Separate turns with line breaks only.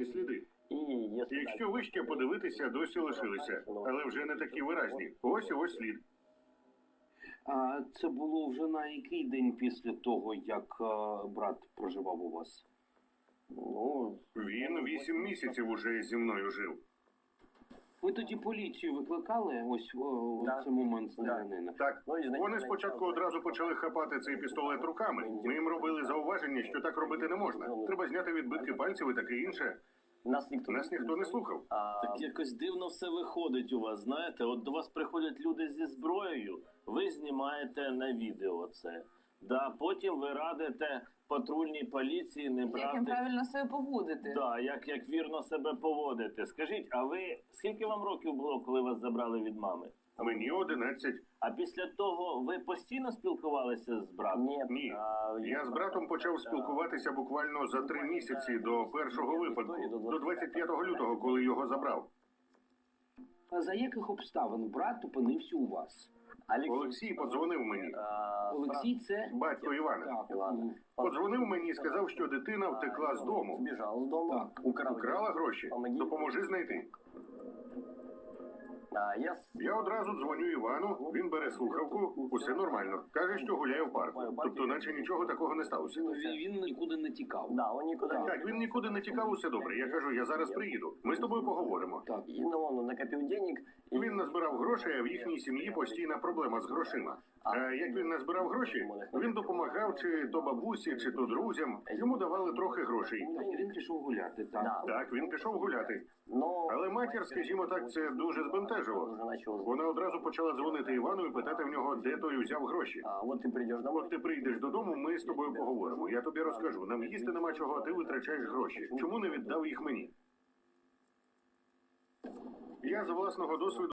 виразні сліди. Якщо вище подивитися, досі лишилися, але вже не такі виразні. Ось і ось слід.
А це було вже на який день після того, як брат проживав у вас?
Ну,
Він 8 місяців уже зі мною жив.
Ви тоді поліцію викликали ось у
Да.
цей момент стрілянина?
Так,
Ну, і значить,
вони спочатку одразу почали хапати цей пістолет руками. Ми їм робили зауваження, що так робити не можна. Треба зняти відбитки пальців і таке інше.
Нас
ніхто не слухав.
Так якось дивно все виходить у вас, знаєте? От до вас приходять люди зі зброєю, ви знімаєте на відео це. Да, потім ви радите патрульній поліції не
Як їм
брати...
правильно себе поводити?
Да, як вірно себе поводити. Скажіть, а ви, скільки вам років було, коли вас забрали від мами?
Мені 11.
А після того ви постійно спілкувалися з братом?
Ні. Я з братом почав спілкуватися буквально за 3 місяці до першого випадку, до 25 лютого, коли його забрав.
А за яких обставин брат опинився у вас?
Олексій подзвонив мені,
Олексій це?
батько Івана.
Так.
Подзвонив мені і сказав, що дитина втекла з дому.
Збіжав з дому,
Так.
Украла гроші. Допоможи знайти. Я одразу дзвоню Івану, він бере слухавку, усе нормально. Каже, що гуляє в парку. Тобто, наче нічого такого не сталося.
Він нікуди не тікав.
Да, он нікуди не
Так, він нікуди не тікав, усе добре. Я кажу, я зараз приїду. Ми з тобою поговоримо.
Так.
І он накопив денег. І...
Він назбирав грошей, а в їхній сім'ї постійна проблема з грошима. А як він назбирав гроші, він допомагав чи то бабусі, чи то друзям. Йому давали трохи грошей.
Тобто він пішов гуляти, так?
Да.
Так, він пішов гуляти.
Но...
Але матір, скажімо так, це дуже збентежило. Вона одразу почала дзвонити Івану і питати в нього, де той узяв гроші.
от ти прийдеш домой.
От ти прийдеш додому, ми з тобою поговоримо. Я тобі розкажу. Нам їсти нема чого, а ти витрачаєш гроші. Чому не віддав їх мені? Я з власного досвіду